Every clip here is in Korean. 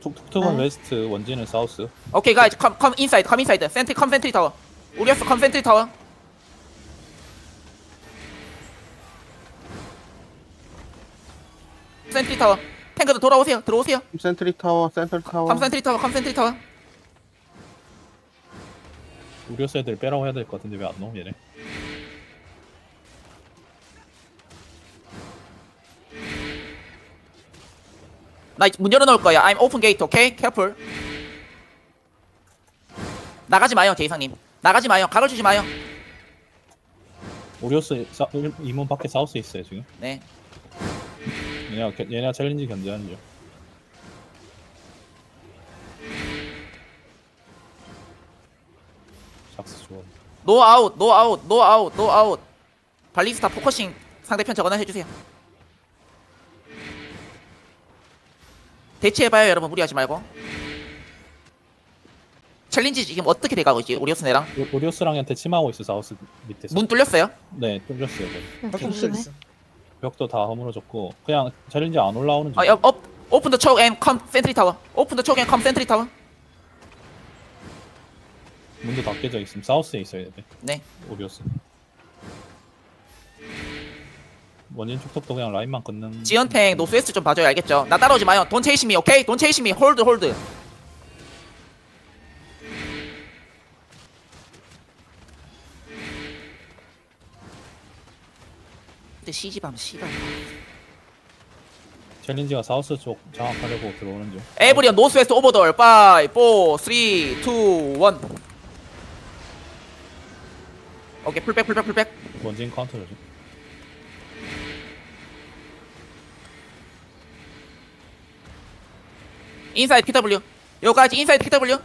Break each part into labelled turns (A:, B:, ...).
A: 툭툭은
B: 네.
A: 웨스트, 원진은 사우스.
C: 오케이 가이즈 컴 인사이드 컴 인사이드 센트리 컴 센트리 타워 우리였어 컴 센트리 타워 센트리 타워 탱크들 돌아오세요 들어오세요
D: 센트리 타워, 센터 타워.
C: 컴 센트리 타워 컴 센트리 타워
A: 우리스 애들 빼라고 해야 될 것 같은데 왜 안 넣어 얘네?
C: 나 문 열어놓을 거야 I'm open gate 오케이 careful 나가지 마요 제이상님 나가지 마요 각을 주지 마요
A: 우리스 이문 밖에 사우스 있어요 지금.
C: 네
A: 얘네가 챌린지 견제하는 중. 삭스 좋아.
C: 노 아웃 노 아웃 노 아웃 노 아웃 발리스타 포커싱 상대편 저거나 해주세요 대치해봐요 여러분 무리하지 말고 챌린지 지금 어떻게 돼가고 있지 오리오스네랑
A: 우리스랑한테 침하고 있어 사우스 밑에서.
C: 문 뚫렸어요
A: 네 뚫렸어요. 거의.
B: 조심해.
A: 벽도 다 허물어졌고 그냥 챌린지 안 올라오는 중.
C: 오픈 더 초크 앤 컴 센트리 타워 오픈 더 초크 앤 컴 센트리 타워
A: 문도 다 깨져 있음. 사우스에 있어야 돼.
C: 네
A: 우리스. 원진 툭툭도 그냥 라인만 끊는.
C: 지연탱 노스웨스트 좀 봐줘야 알겠죠 나 따라오지 마요 돈 체이시미 오케이 돈 체이시미 홀드 홀드 근데 시집하면 씨발
A: 챌린지가 사우스 쪽 장악하려고 들어오는 중.
C: 에브리언 노스웨스트 오버돌 5 4 3 2 1 오케이 풀백 풀백 풀백
A: 원진 카운터 조심.
C: 인사이드 PW 여기까지 인사이드 PW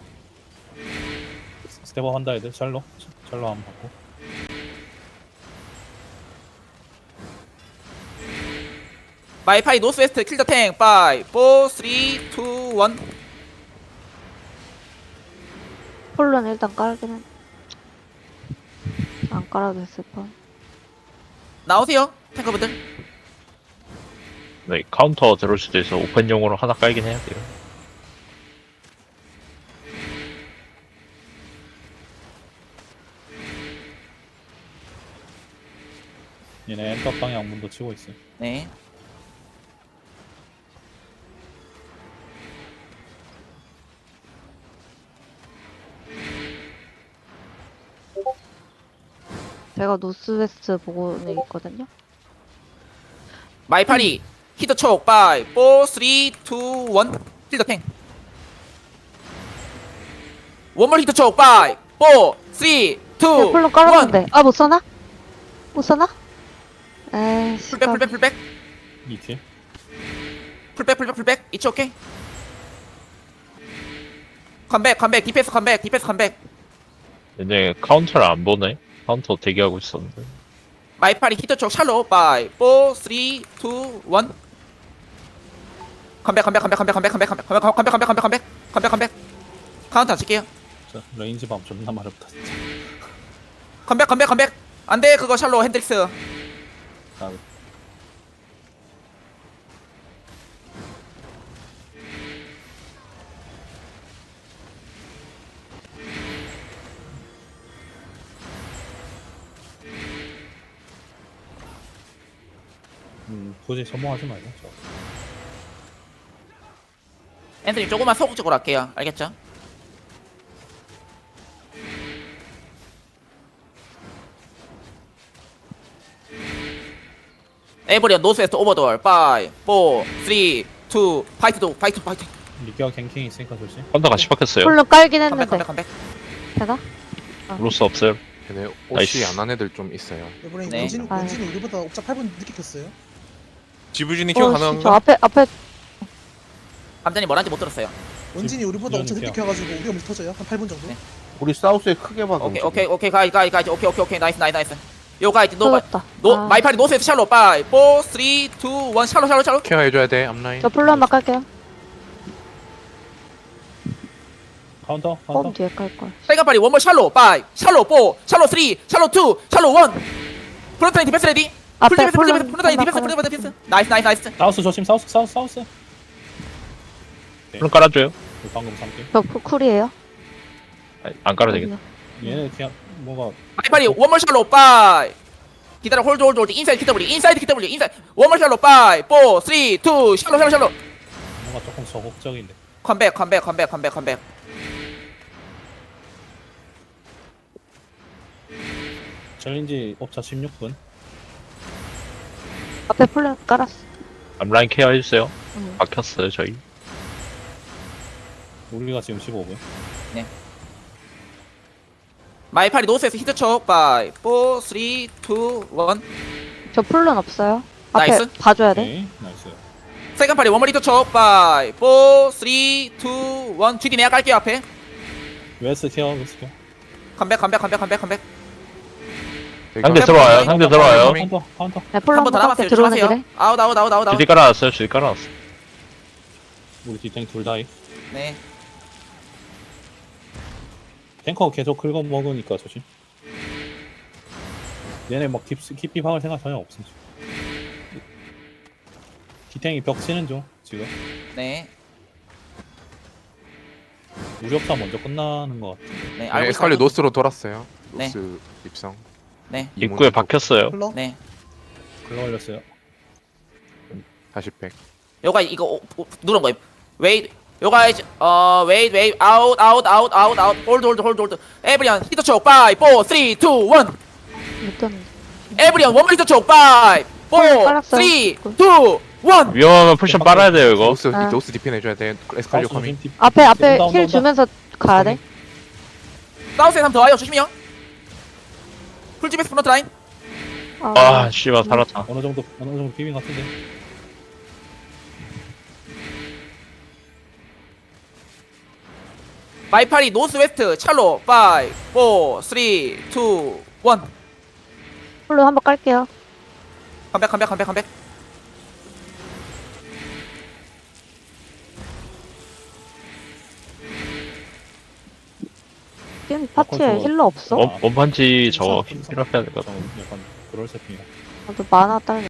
A: 스텝업 한다 애들. 샬로 한번 받고.
C: 마이파이 노스웨스트 킬더 탱 5 4 3 2 1
B: 폴론 일단 깔긴 해. 안 깔아도 됐을 뻔.
C: 나오세요 탱커분들
E: 네, 카운터 들어올 수도 있어. 오픈용으로 하나 깔긴 해야 돼요.
A: 얘네 엔터 방향 문도 치고 있어.
C: 네
B: 제가 노스웨스트 보고는 있거든요.
C: 마이파리 히터 촉 5 4 3 2 1 킬더 탱 원몰 히터 촉 5 4 3 2
B: 폴론
C: 1
B: 깔았는데. 아, 못 써나? 못 써나? 에이씨.
C: 풀백 풀백 풀백
A: 이킬.
C: 풀백 이츠 오케이 컴백 디펜스 컴백
E: 얘네 카운터를 안 보네. 카운터 대기하고 있었는데.
C: 마이파리 히터 촉 샬로 5 4 3 2 1 컴백 카운트 안 칠게요
A: 자, 레인지 밤 존나 마렵다 진짜.
C: 컴백 안돼 그거 샬로 핸드릭스
A: 아, 굳이 소모하지 말자. 저.
C: 앤서니 조금만 소극적으로 할게요 알겠죠? 에버리언 노스웨스트 오버돌 5 4 3 2 파이트
A: 리기와 갱킹 있으니까 조심.
E: 카운터 같이 박혔어요.
B: 폴론 깔긴
C: 컴백
B: 했는데. 되나?
E: 로스 없어요.
F: 걔네
E: 나이스.
F: 옷이 안 한 애들 좀 있어요.
G: 이번에
C: 네.
G: 원진이 우리보다 옥자 8분 늦게 켰어요.
F: 지부진이 키워
B: 저
F: 가능한가?
B: 앞에
C: 감자님 뭐라는지 못 들었어요
G: 원진이 우리보다 옥자 늦게
A: 지원이
G: 켜가지고 우리가 먼저 터져요. 한 8분 정도.
C: 네.
D: 우리 사우스에 크게 봐.
C: 오케이 가이즈 오케이 나이스 요 가이즈
B: 터졌다.
C: 노
B: 아.
C: 마이파리 노스웨스트 샬로 5 4 3 2 1 샬로
F: 케어 해줘야 돼 앞라인.
B: 저 폴론 한번 깔게요.
A: 카운터.
B: 뻔 뒤에 깔걸.
C: 빨간파리 원몰 샬로 5 샬로 4 샬로 3 샬로 2 샬로 1 프론트라인 디펜스 레디
B: 앞에
C: 프론트라인 디펜스 나이스
A: 사우스 조심. 사우스.
E: 그럼 깔아줘요.
A: 방금 3개.
B: 저 쿨이에요.
E: 아니, 안 깔아도 되겠다.
A: 얘네 그냥 뭔가
C: 마이파리 원몰 샬로 빠이 기다려 홀드 홀드 홀드 인사이드 KW 인사이드 KW 인사이드 원몰 샬로 빠이 4 3 2 샬로 샬로 샬로
A: 뭔가 조금 소극적인데.
C: 컴백 컴백 컴백 컴백 컴백
A: 챌린지 옵차 16분.
B: 앞에 플랜 깔았어.
E: 앞라인 케어 해주세요.
B: 응.
E: 막혔어요 저희.
A: 우리가 지금 15분.
C: 마이파리 노스에서 히트촉 빠이 4 3 2 1
B: 저 플랜 없어요. 앞에
C: 나이스.
B: 봐줘야 돼.
A: 오케이. 나이스.
C: 세컨 파리 원몰 히트촉 빠이 4 3 2 1 GD 내가 깔게요 앞에
A: 웨스 케어, 웨스 케어.
C: 컴백 컴백 컴백 컴백 컴백
E: 상대 들어와요. 상대 들어와요.
A: 카운터, 카운터.
B: 네, 플랜
C: 한 번 더
B: 한번
C: 남았어요
B: 깎게 들어오는
C: 조심하세요
B: 길에.
C: 아웃 아웃 아웃 아웃 아웃
E: 주디 깔아놨어요. 주디 깔아놨어.
A: 우리 뒷탱 둘 다이.
C: 네
A: 탱커 계속 긁어 먹으니까 조심. 얘네 막 깊이 박을 생각 전혀 없음. 뒷탱이 벽 치는 중 지금.
C: 네,
A: 우리 업차 먼저 끝나는 것 같은데.
C: 네,
F: 네,
C: 알고
F: 에스칼리
C: 있어요.
F: 노스로 돌았어요.
C: 네.
F: 노스 입성.
C: 네,
E: 입구에 박혔어요.
G: 흘러.
C: 네.
A: 긁어 올렸어요.
F: 다시 백.
C: 요가 이거 누른 거예요. 웨이 요가 웨이 웨이 아웃 아웃 아웃 아웃 아웃 홀드 홀드 홀드 홀드 에브리언 히트촉 빠이 4 3 2 1
B: 못 떴는데.
C: 에브리언 원몰 히트촉 빠이 4 3 2 1
E: 위험하면 쿠션 빨아야 돼요 이거.
F: 노스
B: 아.
F: 노스 디펜 해줘야 돼. 에스칼리
A: 사우스
F: 커밍.
A: 조심, 뒷-
B: 앞에
A: 온다, 온다,
B: 힐
A: 온다.
B: 주면서 가야 돼.
C: 사우스에 3더 와요 조심히요. 풀집에서 프론트 라인
E: 아 씨발 살았다.
A: 어느 정도 비빈 것 같은데.
C: 마이파리 노스 웨스트 찰로 5 4 3 2 1
B: 플랜 한번 깔게요.
C: 컴백 컴백 컴백 컴백
B: 지금 파티에 힐러 없어?
E: 원판지 저거 필요해야 될것 같아.
A: 약간 그럴 세팅이야.
B: 나도 만화 딸.